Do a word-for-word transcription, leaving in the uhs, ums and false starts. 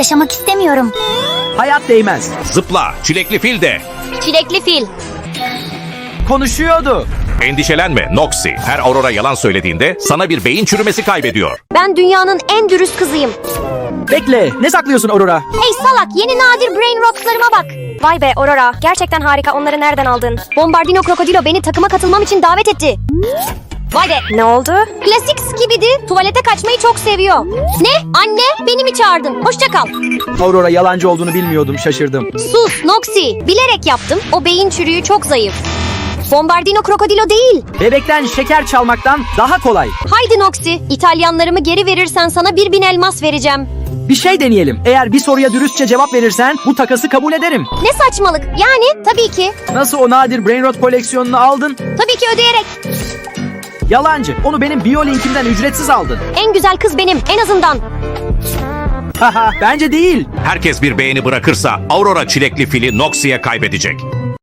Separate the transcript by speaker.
Speaker 1: yaşamak istemiyorum.
Speaker 2: Hayat değmez.
Speaker 3: Zıpla, çilekli fil de.
Speaker 4: Çilekli fil.
Speaker 2: Konuşuyordu.
Speaker 3: Endişelenme Noxy. Her Aurora yalan söylediğinde sana bir beyin çürümesi kaybediyor.
Speaker 4: Ben dünyanın en dürüst kızıyım.
Speaker 2: Bekle, ne saklıyorsun Aurora?
Speaker 4: Hey salak, yeni nadir brain rotlarıma bak. Vay be Aurora, gerçekten harika. Onları nereden aldın? Bombardino Krokodilo beni takıma katılmam için davet etti. Vay be. Ne oldu? Klasik Skibidi tuvalete kaçmayı çok seviyor. Ne? Anne, beni mi çağırdın? Hoşça kal.
Speaker 2: Aurora yalancı olduğunu bilmiyordum, şaşırdım.
Speaker 4: Sus Noxy. Bilerek yaptım. O beyin çürüğü çok zayıf. Bombardino Krokodilo değil.
Speaker 2: Bebekten şeker çalmaktan daha kolay.
Speaker 4: Haydi Noxy. İtalyanlarımı geri verirsen sana bir bin elmas vereceğim.
Speaker 2: Bir şey deneyelim. Eğer bir soruya dürüstçe cevap verirsen bu takası kabul ederim.
Speaker 4: Ne saçmalık. Yani tabii ki.
Speaker 2: Nasıl o nadir Brainrot koleksiyonunu aldın?
Speaker 4: Tabii ki ödeyerek.
Speaker 2: Yalancı. Onu benim biyolinkimden ücretsiz aldın.
Speaker 4: En güzel kız benim. En azından.
Speaker 2: Haha, bence değil.
Speaker 3: Herkes bir beğeni bırakırsa Aurora çilekli fili Noxy'ye kaybedecek.